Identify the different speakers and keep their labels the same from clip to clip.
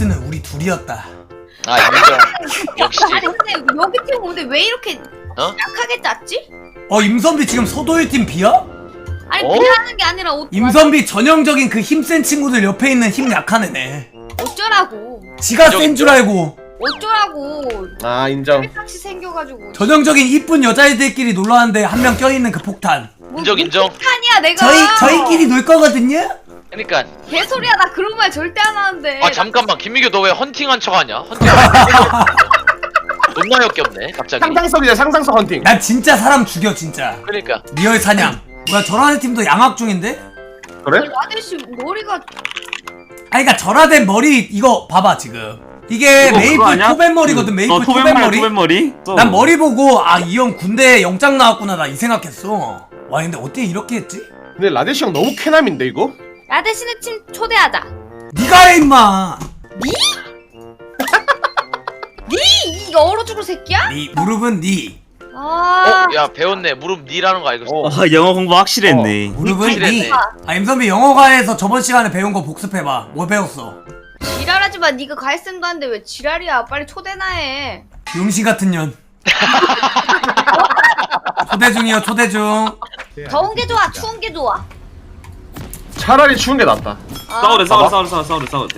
Speaker 1: 에이스는 우리 둘이었다.
Speaker 2: 아 인정. 역시.
Speaker 3: 아니 근데 여기 팀 근데 왜 이렇게
Speaker 2: 어?
Speaker 3: 약하게 짰지?
Speaker 1: 임선비 지금 서도일 팀 B야?
Speaker 3: 아니
Speaker 2: 어?
Speaker 3: 비하는 게 아니라
Speaker 1: 임선비 전형적인 그 힘센 친구들 옆에 있는 힘 약한 애네.
Speaker 3: 어쩌라고
Speaker 1: 지가 센 줄 알고
Speaker 3: 어쩌라고
Speaker 4: 아 인정.
Speaker 3: 같이 생겨가지고
Speaker 1: 전형적인 이쁜 여자애들끼리 놀러 왔는데 한 명 껴있는 그 폭탄.
Speaker 2: 인정 인정.
Speaker 3: 폭탄이야 내가
Speaker 1: 저희끼리 놀 거거든요?
Speaker 2: 그러니까.
Speaker 3: 개소리야 나 그런 말 절대 안 하는데
Speaker 2: 아 잠깐만 김민규 너 왜 헌팅한 척하냐? 헌팅. 존나 역겹네 갑자기.
Speaker 4: 상상성이야 상상성 헌팅.
Speaker 1: 난 진짜 사람 죽여 진짜.
Speaker 2: 그러니까.
Speaker 1: 리얼 사냥. 뭐야 저라는 팀도 양악 중인데?
Speaker 4: 그래?
Speaker 3: 아저씨 머리가
Speaker 1: 아니 그니까 절하된 머리 이거 봐봐 지금. 이게
Speaker 5: 그거
Speaker 1: 메이플 토벤 머리거든. 메이플 토벤 머리.
Speaker 5: 토벤 머리?
Speaker 1: 난 머리 보고 아 이 형 군대 영장 나왔구나 나 이 생각했어. 와 근데 어떻게 이렇게 했지?
Speaker 4: 근데 라데시 형 너무 쾌남인데 이거?
Speaker 3: 아저씨네 팀 초대하자
Speaker 1: 니가 해 임마.
Speaker 3: 이 얼어 죽을 새끼야?
Speaker 1: 니 무릎은 니.
Speaker 3: 아
Speaker 2: 야 배웠네. 무릎 니라는 거 알고 있어.
Speaker 4: 어.
Speaker 5: 아 영어 공부 확실히 했네.
Speaker 1: 무릎은 니.
Speaker 2: 확실했네.
Speaker 1: 아 임선비 영어과에서 저번 시간에 배운 거 복습해봐. 뭐 배웠어?
Speaker 3: 지랄하지마 네가 갈쌤도 한데 왜 지랄이야 빨리 초대나 해
Speaker 1: 용신 같은 년. 초대 중이요 초대 중.
Speaker 3: 더운 게 좋아 추운 게 좋아
Speaker 4: 차라리 추운 게 낫다.
Speaker 5: 싸우래 싸우래.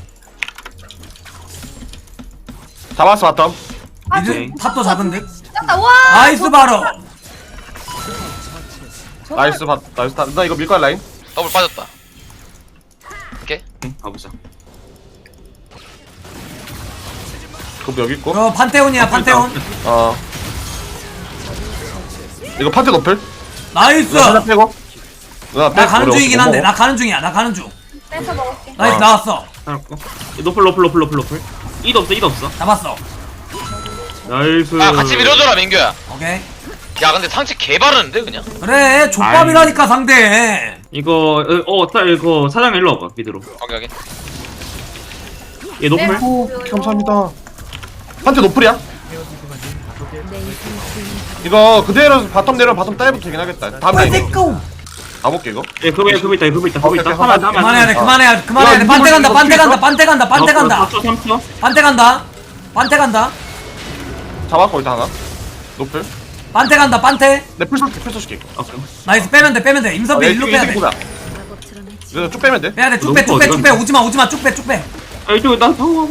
Speaker 4: 잡았어 바텀.
Speaker 1: 이제 탑도 잡은 듯.
Speaker 3: 아, 와
Speaker 1: 나이스 바로.
Speaker 4: 나이스 나이스 나 이거 밀거야 라인.
Speaker 2: 더블 빠졌다. 오케이.
Speaker 5: 응, 가보자.
Speaker 4: 그거 여기 있고.
Speaker 1: 이거 판테온이야 판테온.
Speaker 4: 어. 이거 파트 노플.
Speaker 1: 나이스.
Speaker 4: 하나 빼고. 누나
Speaker 1: 나
Speaker 4: 빼고.
Speaker 1: 가는
Speaker 4: 우리
Speaker 1: 중이긴
Speaker 4: 못
Speaker 1: 한데
Speaker 4: 먹어.
Speaker 1: 나 가는 중이야 나 가는 중.
Speaker 3: 뺏어 먹을게
Speaker 1: 나이스
Speaker 4: 어.
Speaker 1: 나왔어.
Speaker 5: 살았고. 노플. 이도 없어.
Speaker 1: 잡았어.
Speaker 5: 나이스.
Speaker 2: 아 같이 밀어줘라 민규야.
Speaker 1: 오케이.
Speaker 2: 야 근데 상체 개 바르는데 그냥.
Speaker 1: 그래 족밥이라니까 상대.
Speaker 5: 이거 이거 사장 일로 와봐 미드로.
Speaker 2: 오케이.
Speaker 5: 얘 노플.
Speaker 4: 오 감사합니다. 파트 노플이야? 이거 그대로 바텀 내려 바텀 따위부터 되긴 하겠다. 다음 라인
Speaker 1: 빨리 고.
Speaker 4: 가볼게 이거.
Speaker 5: 얘 그거 있다.
Speaker 4: 오케이,
Speaker 5: 하면
Speaker 1: 그만해야 돼
Speaker 4: 어.
Speaker 1: 그만해야 돼 그만해야 돼.
Speaker 4: 야,
Speaker 1: 반대 간다
Speaker 4: 이거
Speaker 1: 반대
Speaker 4: 이거
Speaker 1: 간다 반대 간다 반대 간다
Speaker 5: 3초.
Speaker 1: 반대 간다 반대 간다
Speaker 4: 잡았고 일단 하나. 노플.
Speaker 1: 반대 간다 반대.
Speaker 4: 내 풀서 줄게.
Speaker 5: 오케이.
Speaker 1: 나이스 빼면 돼 임선비 일로 빼야 돼
Speaker 4: 이거 쭉 빼면 돼.
Speaker 1: 빼야 돼 쭉
Speaker 5: 너무
Speaker 1: 빼 쭉 빼 쭉 빼
Speaker 5: 어디가?
Speaker 1: 오지마 쭉 빼
Speaker 5: 아 이쪽에 나 방어.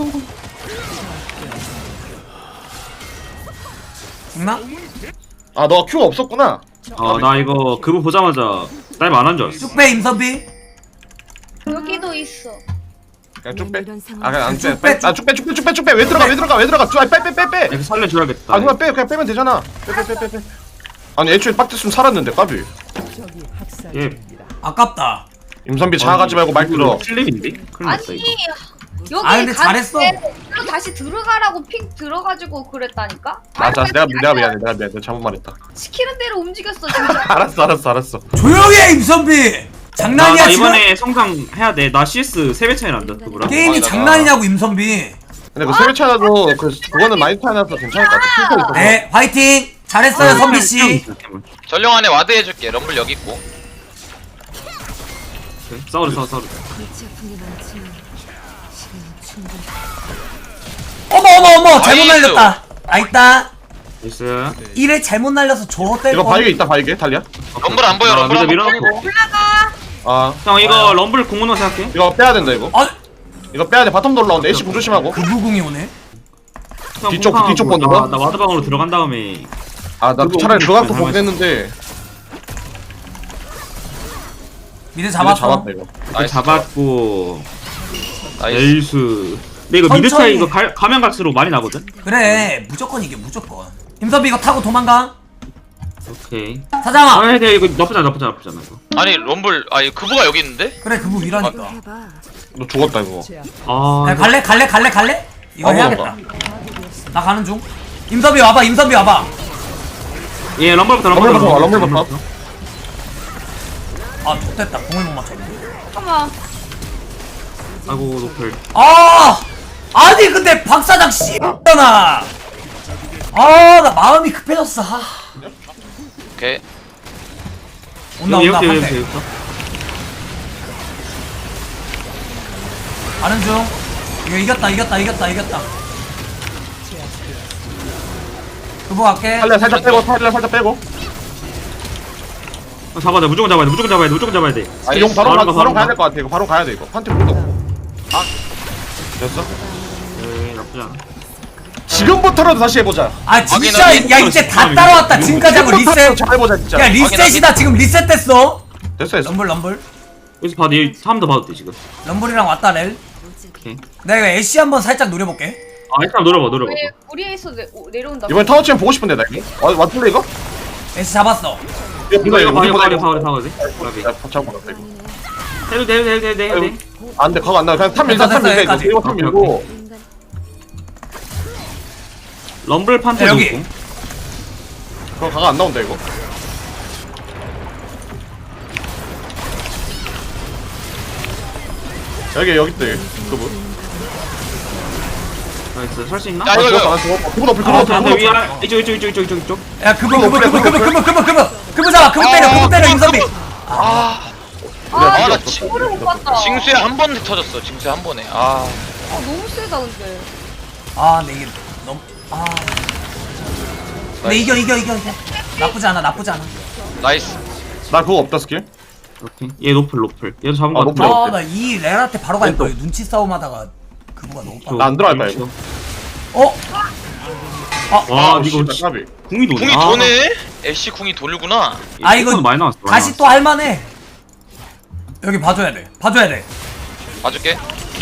Speaker 1: 죽나?
Speaker 4: 아 너 큐가 없었구나.
Speaker 5: 아나 이거 그거 보자마자 날 만한 줄 알았어.
Speaker 1: 쭉 빼 임선비.
Speaker 3: 여기도 있어
Speaker 4: 그냥 쭉 빼.
Speaker 6: 이런 상황.
Speaker 4: 아 그냥 안
Speaker 1: 쭉
Speaker 4: 빼.
Speaker 1: 빼,
Speaker 4: 아 쭉 빼. 왜 들어가. 빼.
Speaker 5: 이거 살려줘야겠다.
Speaker 4: 아 그냥 빼. 그냥 빼면 되잖아. 빼. 아니 애초에 빡쳤으면 살았는데 까비.
Speaker 5: 얘
Speaker 1: 아깝다.
Speaker 4: 임선비 자아가지 말고 말 들어.
Speaker 5: 슬림인데? 큰일 났다
Speaker 3: 아니
Speaker 5: 이거.
Speaker 3: 여기
Speaker 1: 아, 근데 잘했어.
Speaker 3: 일로 다시 들어가라고 핑 들어가지고 그랬다니까
Speaker 4: 맞아. 내가 미안해. 내가 잘못 말했다.
Speaker 3: 시키는 대로 움직였어 진짜
Speaker 4: 알았어.
Speaker 1: 조용히 해 임선비. 장난이야
Speaker 5: 나
Speaker 1: 지금?
Speaker 5: 이번에 성장 해야 돼. 나 CS 3배 차이 난다 그거랑.
Speaker 1: 게임이
Speaker 4: 거기다가.
Speaker 1: 장난이냐고 임선비.
Speaker 4: 근데 그 세배 차라도 그거는 많이 차이나서 괜찮을 것 같아. 필터 있어서.
Speaker 1: 네 화이팅 잘했어요 선비씨.
Speaker 2: 전령 안에 와드 해줄게. 럼블 여기 있고.
Speaker 5: 싸우래.
Speaker 6: 골치 아픈 게 많지만 시간은 충분히.
Speaker 1: 어머 잘못
Speaker 2: 나이스.
Speaker 1: 날렸다. 아있다.
Speaker 5: 됐어.
Speaker 1: 이래 잘못 날려서 저때
Speaker 4: 이거 바위게 있다 바위게 달리야?
Speaker 2: 럼블 안 보여.
Speaker 5: 아,
Speaker 2: 럼블 안
Speaker 5: 밀어놓고.
Speaker 2: 보여.
Speaker 3: 올라가
Speaker 4: 아
Speaker 5: 형 이거 럼블 공문호 생각해?
Speaker 4: 이거 빼야 된다 이거.
Speaker 1: 어?
Speaker 4: 이거 빼야 돼. 바텀도 올라온다. 애쉬 공 조심하고.
Speaker 1: 그부궁이 오네.
Speaker 5: 형
Speaker 4: 뒤쪽,
Speaker 5: 공파하고
Speaker 4: 뒤쪽 보는 거?
Speaker 5: 나 와드방으로 들어간 다음에
Speaker 4: 아 나
Speaker 5: 그거
Speaker 4: 차라리 들어가서
Speaker 5: 잘
Speaker 4: 보긴 했는데.
Speaker 1: 미드
Speaker 4: 이거
Speaker 1: 잡았어.
Speaker 4: 잡았다 이거.
Speaker 2: 나이스.
Speaker 5: 잡았고
Speaker 2: 나이스.
Speaker 5: 에이스. 근데 이거 미드
Speaker 1: 천천히.
Speaker 5: 차이 이거 가면 갈수록 많이 나거든?
Speaker 1: 그래 무조건 이게 무조건. 임선비 이거 타고 도망가.
Speaker 5: 오케이.
Speaker 1: 사장아.
Speaker 5: 근데 이거 나쁘지 않아 이거.
Speaker 2: 아니 럼블 아니 그부가 여기 있는데?
Speaker 1: 그래 그부 위라니까.
Speaker 6: 해봐.
Speaker 4: 너 죽었다 이거.
Speaker 5: 아
Speaker 1: 야, 갈래? 이거
Speaker 4: 어,
Speaker 1: 해야겠다. 나 가는 중. 임선비 와봐.
Speaker 5: 예 럼블부터
Speaker 4: 럼블부터.
Speaker 1: 아 좋됐다. 공을 못 맞췄네.
Speaker 3: 잠깐만
Speaker 5: 아이고 노플.
Speaker 1: 아니 근데 박사장 씨X잖아. 나 마음이 급해졌어.
Speaker 2: 오케이.
Speaker 1: 온다
Speaker 5: 여기
Speaker 1: 판테.
Speaker 5: 여기부터.
Speaker 1: 가는 중. 이거 이겼다. 그거 갈게.
Speaker 4: 탈려 살짝 빼고.
Speaker 5: 잡아야 돼. 무조건 잡아야 돼.
Speaker 4: 용 바로
Speaker 5: 바로
Speaker 4: 바로
Speaker 5: 가.
Speaker 4: 가야 될 것 같아. 이거 바로 가야 돼 이거. 판테 불도 없고. 아 됐어?
Speaker 5: 에이, 나쁘지 않아.
Speaker 4: 지금부터라도 다시 해보자.
Speaker 1: 아 진짜
Speaker 2: 확인하고
Speaker 1: 야 이제 다 따라왔다. 지금까지 하고 리셋.
Speaker 4: 잘 해보자 진짜.
Speaker 1: 야 리셋이다. 지금 리셋됐어.
Speaker 4: 됐어.
Speaker 1: 럼블.
Speaker 5: 여기서 봐도 얘 사람도 봐도 돼 지금.
Speaker 1: 럼블이랑 왔다 렐.
Speaker 5: 오케이.
Speaker 1: 내가 이거 애쉬 한번 살짝 노려볼게.
Speaker 5: 아, 일단 노려봐.
Speaker 3: 왜 우리에서 내려온다.
Speaker 4: 이번에 타워 치면 보고 싶은데 나 이거. 왔을래 이거?
Speaker 1: 애쉬 잡았어.
Speaker 5: 이거 봐.
Speaker 4: 이거
Speaker 5: 돼.
Speaker 4: 야, 잡고 갔다 이거.
Speaker 5: 해도 돼.
Speaker 4: 안 돼, 그거 안 나. 그냥 탑 밀자, 탑 밀자.
Speaker 1: 여기까지.
Speaker 4: 이거 탑 밀고.
Speaker 5: 럼블 판테
Speaker 1: 야, 여기.
Speaker 5: 놓고.
Speaker 4: 그거 가가 안 나온다 이거. 여기 있다 여기. 그분.
Speaker 5: 나이스. 살 수 있나?
Speaker 2: 야, 이거, 이거.
Speaker 4: 그분 높을
Speaker 5: 아,
Speaker 4: 그분
Speaker 5: 돼.
Speaker 4: 높을.
Speaker 5: 위아. 이쪽.
Speaker 1: 야 그거 잡아. 그거 때려 임선비.
Speaker 2: 나
Speaker 3: 친구를 못 봤다.
Speaker 2: 징수에 한 번 터졌어. 징수에 한 번에. 아.
Speaker 3: 너무 세다 근데.
Speaker 1: 아 근데 이게 너무 근데 이겨. 나쁘지 않아.
Speaker 2: 나이스.
Speaker 4: 나 그거 없다 스킬.
Speaker 5: 오케이. 얘 노플. 얘도 잡은
Speaker 4: 아,
Speaker 5: 거
Speaker 4: 노플.
Speaker 5: 같아.
Speaker 1: 아 나 이 레라한테 바로 갈 거야. 눈치 싸움하다가 그거가 너무 빨라.
Speaker 4: 나 안 들어갈 거야 이거.
Speaker 1: 어?
Speaker 5: 와, 이거
Speaker 4: 씨발, 까비.
Speaker 5: 궁이 도네.
Speaker 2: 궁이 도네? 애쉬 궁이 돌구나.
Speaker 1: 아 이거
Speaker 5: 많이 나왔어.
Speaker 1: 다시 또 할만해. 여기 봐줘야 돼.
Speaker 2: 봐줄게.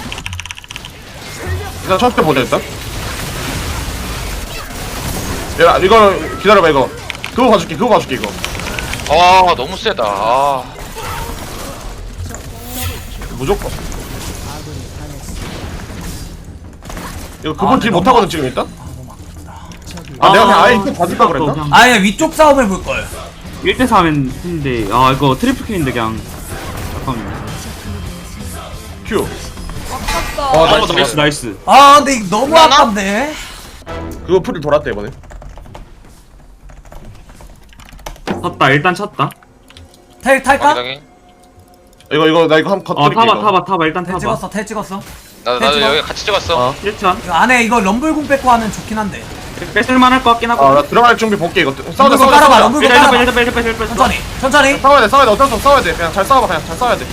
Speaker 4: 일단 첫 때 보자 일단. 야 이거 기다려봐 이거. 그거 봐줄게 이거.
Speaker 2: 아, 너무 세다. 아.
Speaker 4: 무조건. 이거 그분 딜 못하거든 지금 일단. 아 내가 그냥 아예 이거 봐줄까 그랬나?
Speaker 1: 아예 위쪽 싸움을 볼 걸.
Speaker 5: 1대 4면 했는데 이거 트리플 킬인데 그냥 잠깐만요.
Speaker 4: 큐.
Speaker 3: 아깝다.
Speaker 5: 나이스.
Speaker 1: 아 근데 이거 너무
Speaker 2: 하나?
Speaker 1: 아깝네.
Speaker 4: 그거 풀이 돌았대 이번에.
Speaker 5: 쳤다. 일단 쳤다.
Speaker 1: 텔 탈까?
Speaker 2: 확인하게.
Speaker 4: 이거 나 이거 한번 컷드릴게.
Speaker 5: 타봐. 일단
Speaker 1: 텔
Speaker 5: 타봐.
Speaker 1: 텔 찍었어.
Speaker 2: 나도 여기 같이 찍었어.
Speaker 5: 1천.
Speaker 1: 이거 안에 이거 럼블궁 뺏고 하면 좋긴 한데.
Speaker 5: 뺏을만 할 것 같긴 하고.
Speaker 4: 나 들어갈 준비 볼게 이거. 싸우자.
Speaker 1: 럼블궁 깔아봐. 럼블궁 깔아봐.
Speaker 5: 일단
Speaker 1: 천천히.
Speaker 4: 싸워야 돼. 어쩔 수 없어. 싸워야 돼. 그냥 잘 싸워봐. 그냥 잘 싸워야 돼.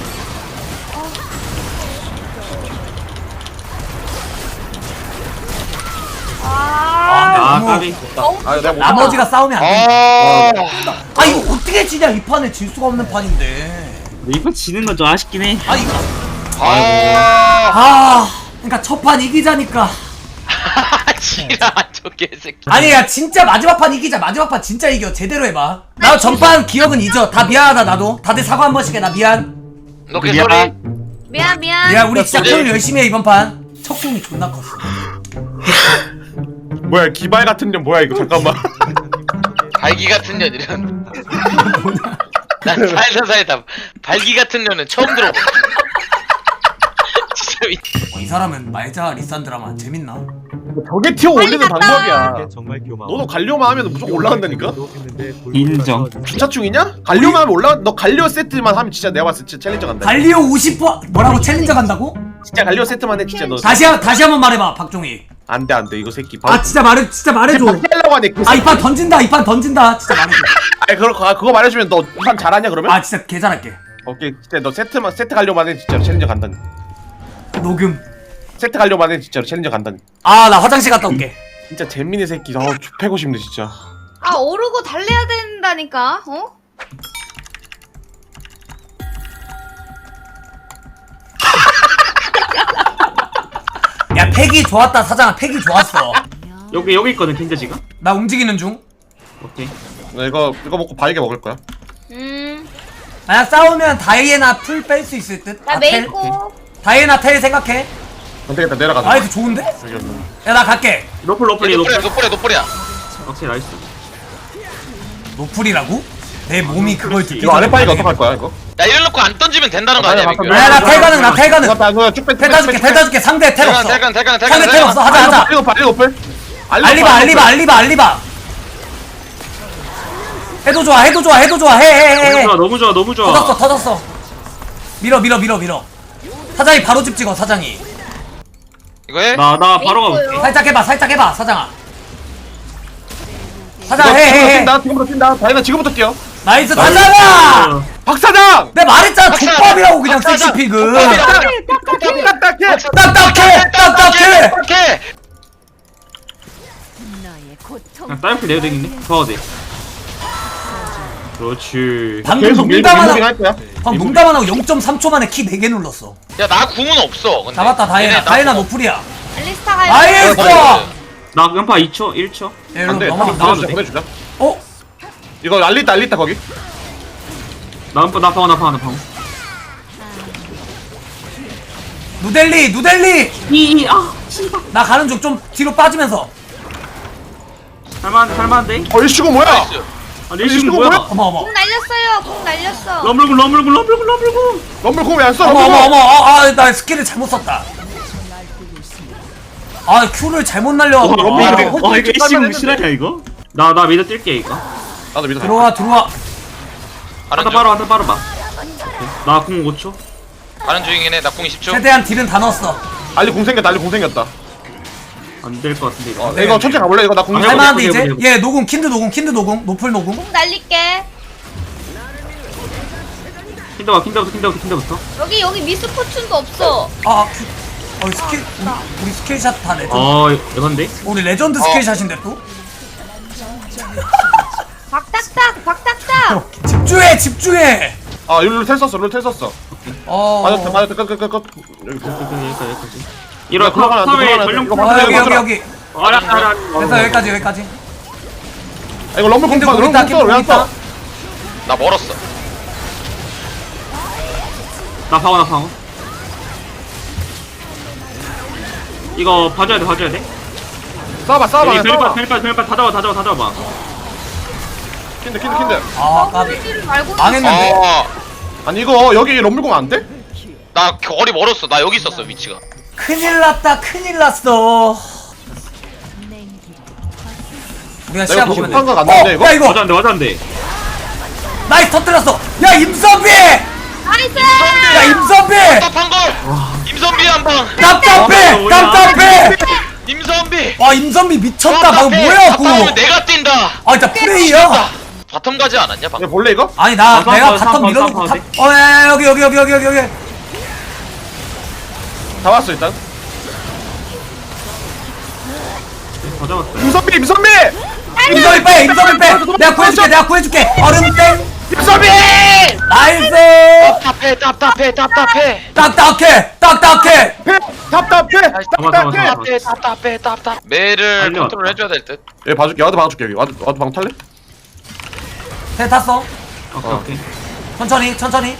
Speaker 1: 아 근데
Speaker 5: 까비.
Speaker 1: 너무
Speaker 4: 아 내가 못.
Speaker 1: 나머지가 싸우면 안 돼.
Speaker 2: 아.
Speaker 1: 아 이거 어떻게 지냐 이 판에 질 수가 없는 판인데.
Speaker 5: 이번 지는 건 좀 아쉽긴 해.
Speaker 1: 아 이거
Speaker 2: 아.
Speaker 1: 그러니까 첫 판 이기자니까.
Speaker 2: 지랄, 저 개새끼.
Speaker 1: 아니야 진짜 마지막 판 이기자. 마지막 판 진짜 이겨. 제대로 해봐. 나 전판 기억은 잊어. 다 미안하다 나도. 다들 사과 한 번씩 해. 나 미안.
Speaker 2: 너 개소리.
Speaker 3: 미안.
Speaker 1: 야 우리 진짜
Speaker 2: 어떡해.
Speaker 1: 토요일 열심히 해 이번 판. 척궁이 존나 컸어.
Speaker 4: 뭐야 기발 같은 년 뭐야 이거 잠깐만.
Speaker 2: 발기 같은 년 이런. 난 살다 발기 같은 년은 처음 들어봐. 진짜
Speaker 1: 이 사람은 말자 리산드라만 재밌나?
Speaker 4: 저게 티어 올리는 방법이야.
Speaker 7: 정말 교마워.
Speaker 4: 너도 갈리오만 하면 무조건 올라간다니까.
Speaker 5: 인정.
Speaker 4: 주차충이냐? 갈리오만 하면 올라. 너 갈리오 세트만 하면 진짜 내가 봤을 때 진짜 챌린저 간다.
Speaker 1: 갈리오 50번 뭐라고 챌린저 간다고?
Speaker 4: 진짜 갈리오 세트만 해 진짜 너.
Speaker 1: 다시 한번 말해봐 박종희.
Speaker 4: 안돼 이거 새끼.
Speaker 1: 아 진짜 말해줘.
Speaker 4: 하려고 하네. 그
Speaker 1: 아 이 판 던진다 진짜 말해줘.
Speaker 4: 아니 그거 말해주면 너 이 판 잘하냐 그러면?
Speaker 1: 아 진짜 개 잘할게.
Speaker 4: 오케이 진짜 너 세트 갈려만 해 진짜로 챌린저 간다니.
Speaker 1: 녹음.
Speaker 4: 세트 갈려만 해 진짜로 챌린저 간다니.
Speaker 1: 아 나 화장실 갔다 올게.
Speaker 4: 진짜 재민이 새끼. 패고 싶네 진짜.
Speaker 3: 아 오르고 달래야 된다니까. 어?
Speaker 1: 야 팩이 좋았다 사장아. 팩이 좋았어.
Speaker 5: 여기 있거든 킨자 지금.
Speaker 1: 나 움직이는 중.
Speaker 5: 오케이.
Speaker 4: 나 이거 먹고 바이게 먹을 거야.
Speaker 1: 만약 싸우면 다이애나 풀 뺄 수 있을 듯.
Speaker 3: 나
Speaker 1: 아, 텔?
Speaker 3: 메이고.
Speaker 1: 다이애나 텔 생각해.
Speaker 4: 안 되겠다 내려가자.
Speaker 1: 아 이거 좋은데? 야 나 갈게.
Speaker 5: 노플이
Speaker 2: 노플이야.
Speaker 5: 오케이 나이스.
Speaker 1: 노플이라고? 내 몸이 그걸 듣기
Speaker 4: 이거 아래
Speaker 1: 전에
Speaker 4: 바이가
Speaker 1: 말해.
Speaker 4: 어떡할 거야 이거?
Speaker 2: 야, 이래놓고 안 던지면 된다는 거 아니야,
Speaker 4: 아니,
Speaker 2: 민규?
Speaker 1: 야 나 텔 가능 나 텔 가능.
Speaker 4: 쭉빼
Speaker 1: 텔 따줄게 상대 텔 없어.
Speaker 2: 대간.
Speaker 1: 상대 텔 없어. 하자.
Speaker 4: 알리오플.
Speaker 1: 알리바. 해도 좋아. 해.
Speaker 5: 너무 좋아.
Speaker 1: 터졌어. 밀어. 사장이 바로 집 찍어 사장이.
Speaker 2: 이거 해?
Speaker 5: 나 바로 가볼게.
Speaker 3: 있어요.
Speaker 1: 살짝 해봐 사장아.
Speaker 4: 이거
Speaker 1: 사장 해.
Speaker 4: 뛴다 지금부터 뛴다. 다이나 지금부터 뛰어.
Speaker 1: 나이스 사장아.
Speaker 4: 박사장.
Speaker 1: 내가 말했잖아
Speaker 2: 박사장!
Speaker 1: 족밥이라고 그냥
Speaker 2: 박사장!
Speaker 1: 섹시피그.
Speaker 2: 족밥이다.
Speaker 1: 딱딱해.
Speaker 2: 오케이.
Speaker 6: 너의 고통.
Speaker 5: 그냥 다이어트 내야 되겠네. 좋아도 돼. 그렇지.
Speaker 1: 방금
Speaker 4: 계속 밀고
Speaker 1: 농담
Speaker 4: 밀고긴
Speaker 1: 하나
Speaker 4: 할 거야.
Speaker 1: 방금 농담 안 하고 0.3초 만에 키 4개 눌렀어.
Speaker 2: 야 나 궁은 없어. 근데.
Speaker 1: 잡았다 다이나.
Speaker 2: 얘네 나
Speaker 1: 다이나
Speaker 2: 궁
Speaker 1: 노플이야.
Speaker 3: 알리스타 가요.
Speaker 1: 나이스.
Speaker 5: 나 연파 2초, 1초.
Speaker 1: 일로
Speaker 4: 안돼.
Speaker 1: 넘어가.
Speaker 4: 보내주자 보내주자.
Speaker 1: 어?
Speaker 4: 이거 알리다 거기.
Speaker 5: 나 방어.
Speaker 1: 누델리. 나 가는 중 좀 뒤로 빠지면서.
Speaker 5: 살만한데?
Speaker 4: 이슈고 뭐야?
Speaker 2: 나이스.
Speaker 5: 아, 내 시간 뭐야?
Speaker 1: 어머.
Speaker 3: 공 날렸어요. 공 날렸어.
Speaker 5: 럼블군.
Speaker 4: 럼블 공 왜안 써?
Speaker 1: 어머. 나 스킬을 잘못 썼다. 아 큐를 잘못 날려가지고.
Speaker 4: 럼블
Speaker 1: 아,
Speaker 4: 그래.
Speaker 5: 와, 이거 애쉬 실화냐, 이거? 나 미드 뛸게, 이거.
Speaker 4: 나도 믿어.
Speaker 1: 들어와.
Speaker 2: 가는 중.
Speaker 5: 한타 바로 봐. 나 궁 5초.
Speaker 2: 가는 중이긴 해. 나 궁 20초.
Speaker 1: 최대한 딜은 다 넣었어.
Speaker 4: 알리 공 생겼다.
Speaker 5: 안 될 것 같은데, 이거.
Speaker 4: 이거 천천히 가볼래? 이거 나 공.
Speaker 5: 아,
Speaker 1: 할만한데
Speaker 5: 해보자,
Speaker 1: 이제
Speaker 5: 해보자.
Speaker 1: 얘 노공 킨드 노공 노플 노공.
Speaker 3: 공 날릴게.
Speaker 5: 킨더부터.
Speaker 3: 여기 미스포춘도 없어.
Speaker 1: 스킬 우리 스킬샷 다 레전드.
Speaker 5: 에반데?
Speaker 1: 우리 레전드 스킬샷인데 또.
Speaker 3: 박딱딱.
Speaker 1: 집중해.
Speaker 4: 룰 텔 썼어. 맞았다. 끝.
Speaker 5: 여기까지. 이런
Speaker 4: 야, 들어가라,
Speaker 5: 사회
Speaker 4: 들어가라.
Speaker 5: 전용
Speaker 4: 이거
Speaker 1: 여기.
Speaker 5: 알아.
Speaker 1: 됐어 여기까지.
Speaker 4: 이거 럼블 공
Speaker 1: 킨드
Speaker 4: 봐.
Speaker 1: 공
Speaker 4: 럼블
Speaker 1: 있다.
Speaker 4: 공 왜안 써?
Speaker 2: 나 멀었어.
Speaker 5: 나 방어. 이거 봐줘야 돼.
Speaker 4: 쏴봐.
Speaker 5: 벨파 다 잡아.
Speaker 4: 킨드.
Speaker 1: 까비.
Speaker 3: 말고
Speaker 1: 망했는데.
Speaker 4: 아니 이거 여기 럼블 공 안 돼?
Speaker 2: 나 거리 멀었어. 나 여기 있었어 위치가.
Speaker 1: 큰일 났어. 우리가
Speaker 4: 내가
Speaker 1: 시야
Speaker 4: 그거
Speaker 1: 보면 돼.
Speaker 4: 못한 거 같는데, 이거?
Speaker 1: 야 이거
Speaker 5: 맞았는데.
Speaker 1: 나이스 터뜨렸어. 야 임선비.
Speaker 3: 나이스.
Speaker 1: 야 임선비.
Speaker 2: 답답한 걸. 임선비 한 방.
Speaker 1: 답답해.
Speaker 2: 임선비.
Speaker 1: 와 임선비 미쳤다. 방금 뭐야
Speaker 2: 답답하면
Speaker 1: 그거.
Speaker 2: 내가 뛴다.
Speaker 1: 아 진짜 플레이야.
Speaker 2: 바텀 가지 않았냐 방금?
Speaker 4: 이거 볼래 이거?
Speaker 1: 아니 내가
Speaker 5: 싸워,
Speaker 1: 바텀 밀어놓고
Speaker 5: 싸워,
Speaker 1: 야, 여기
Speaker 4: 다 왔어 일단.
Speaker 5: 다 잡았어.
Speaker 4: 임선비.
Speaker 1: 임선비 빼 내가 구해줄게 얼음 땡
Speaker 4: 임선비.
Speaker 1: 나이스
Speaker 2: 답답해.
Speaker 1: 딱딱해
Speaker 2: 답답해. 매를
Speaker 5: 달려왔다.
Speaker 2: 컨트롤 해줘야 될 듯.
Speaker 4: 얘 봐줄게. 와드 봐줄게 여기. 와드 방 탈래?
Speaker 1: 배 탔어
Speaker 5: 오케이.
Speaker 1: 천천히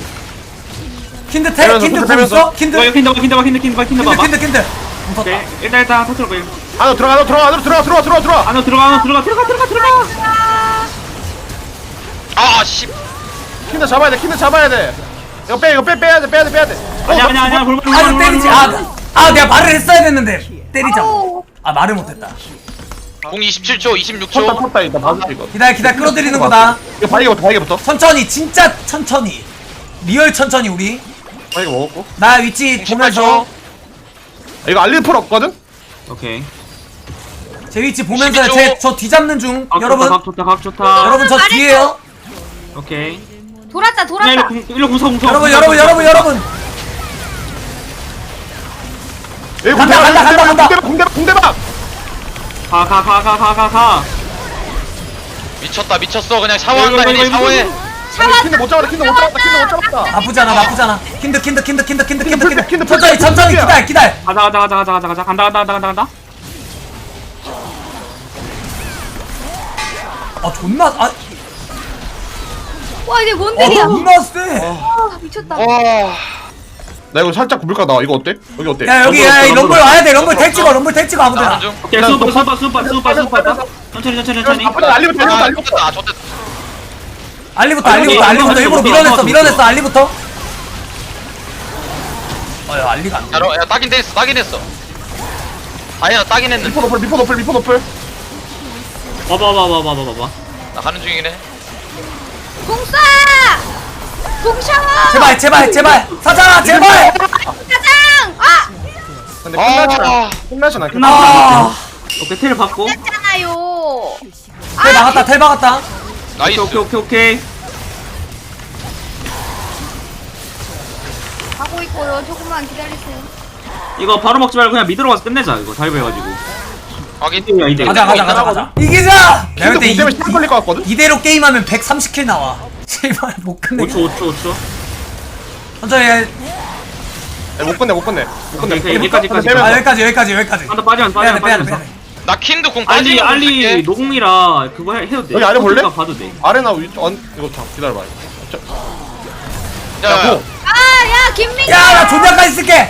Speaker 1: 킨드
Speaker 4: 빼면서,
Speaker 1: 공
Speaker 4: 빼면서.
Speaker 1: 있어? 킨드
Speaker 5: 이거 킨더 봐봐.
Speaker 1: mus었다
Speaker 5: 오케이. 일단 터트려 보여.
Speaker 4: 안으로 들어가.
Speaker 5: 안으로 들어가.
Speaker 2: 아 씨.
Speaker 4: 킨드 잡아야 돼. 이거 빼야 돼.
Speaker 5: 아니야. 볼볼.
Speaker 1: 아주 때리지 내가 말을 했어야 됐는데 때리자 말을 못했다
Speaker 2: 공 27초, 26초.
Speaker 4: 쳤다 일단 봐줄게 이거.
Speaker 1: 기다려 끌어들이는 거다
Speaker 4: 이거 바이게부터.
Speaker 1: 천천히 진짜 천천히 리얼 천천히 우리
Speaker 4: 바이게 먹었고.
Speaker 1: 나 위치 보면서
Speaker 4: 이거 알리풀 없거든?
Speaker 5: 오케이.
Speaker 1: 제 위치 보면서
Speaker 2: 12초.
Speaker 1: 저 뒤잡는 중
Speaker 5: 각
Speaker 1: 여러분
Speaker 5: 좋다.
Speaker 1: 여러분 저 뒤에요
Speaker 5: 오케이.
Speaker 3: 돌았다.
Speaker 5: 일로 궁서.
Speaker 1: 여러분
Speaker 4: 여기
Speaker 1: 간다.
Speaker 4: 공대박.
Speaker 5: 가.
Speaker 2: 미쳤어. 그냥 샤워한다. 얘네 샤워해.
Speaker 4: 킨드 못 잡았다.
Speaker 1: 나쁘지 않아 킨드
Speaker 4: 킨드
Speaker 1: 천천히 기다려
Speaker 5: 가자. 간다.
Speaker 1: 존나
Speaker 3: 와 이게 뭔 일이야?
Speaker 1: 존나 세
Speaker 3: 미쳤다.
Speaker 4: 나 이거 살짝 굽을까 나 이거 어때? 여기 어때?
Speaker 1: 야 여기 야 이 럼블 와야 돼 럼블 택 찍어 아무데나
Speaker 2: 나가는 중.
Speaker 5: 오케이. 수파. 천천히.
Speaker 4: 알리부터.
Speaker 2: 좋됐다.
Speaker 1: 알리부터 일부러 밀어냈어 알리부터 야 알리가 안 돼.
Speaker 2: 야 따긴 했어. 아니야 따긴 했는데.
Speaker 4: 리포 노플.
Speaker 5: 봐봐.
Speaker 2: 나 가는 중이긴 해.
Speaker 3: 공쏴. 공샤워.
Speaker 1: 제발 사장아 제발
Speaker 3: 사장.
Speaker 4: 근데 끝나진
Speaker 2: 아,
Speaker 4: 끝나진 않겠다.
Speaker 1: 아,
Speaker 5: 오케이 텔 받고.
Speaker 3: 했잖아요.
Speaker 1: 텔 막았다, 텔 막았다.
Speaker 2: 나이스.
Speaker 5: 오케이.
Speaker 3: 가고 있고요. 조금만 기다리세요.
Speaker 5: 이거 바로 먹지 말고 그냥 미드로 가서 끝내자. 이거 다이브 해가지고.
Speaker 2: 확인.
Speaker 5: 야 이대.
Speaker 1: 가자. 이기자! 내가
Speaker 4: 근데
Speaker 1: 볼때
Speaker 4: 공 때문에 시간 걸릴 것 같거든?
Speaker 1: 이대로 게임하면 130킬 나와. 제발 못 끝내.
Speaker 5: 5초.
Speaker 1: 천천히 해.
Speaker 4: 못 끝내.
Speaker 5: 오케이, 여기까지.
Speaker 1: 아, 여기까지.
Speaker 5: 한다 빠지면.
Speaker 1: 빼야 돼.
Speaker 2: 나 킨드 공
Speaker 5: 알리
Speaker 2: 빠지는
Speaker 5: 노공이라 그거 해도 돼.
Speaker 4: 여기 아래 볼래?
Speaker 5: 봐도 돼.
Speaker 4: 아레나 이거 참 기다려봐.
Speaker 2: 야,
Speaker 4: 야, 고.
Speaker 3: 야, 김민규.
Speaker 1: 야, 나 존나까지 쓸게!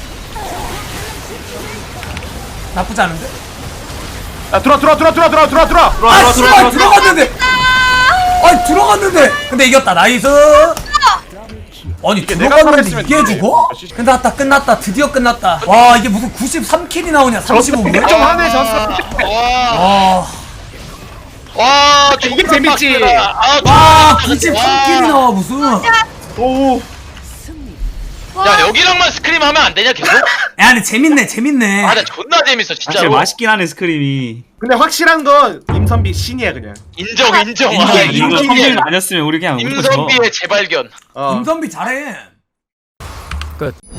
Speaker 1: 나쁘지 않은데?
Speaker 4: 야 들어와.
Speaker 1: 아, 씨발, 들어갔는데! 아니, 들어갔는데! 근데 이겼다, 나이스! 아니,
Speaker 4: 내가
Speaker 1: 들어갔는데
Speaker 4: 살아있으면
Speaker 1: 이게
Speaker 4: 되지.
Speaker 1: 죽어? 끝났다. 드디어 끝났다. 와, 이게 무슨 93킬이 나오냐, 35분?
Speaker 4: 좀 하네 졌어.
Speaker 2: 와,
Speaker 1: 와,
Speaker 4: 이게 재밌지.
Speaker 1: 와, 93킬이 나와, 무슨.
Speaker 4: 오.
Speaker 2: 야, 여기랑만 스크림 하면 안 되냐 계속?
Speaker 1: 야, 근데 재밌네.
Speaker 2: 아, 나 존나 재밌어 진짜로.
Speaker 5: 맛있긴 하네 스크림이.
Speaker 4: 근데 확실한 건 임선비 신이야 그냥.
Speaker 2: 인정. 와,
Speaker 1: 인정.
Speaker 5: 이거
Speaker 2: 임선비의-
Speaker 5: 성질 아니었으면 우리 그냥
Speaker 2: 임선비의 재발견.
Speaker 4: 어.
Speaker 1: 임선비 잘해. 끝.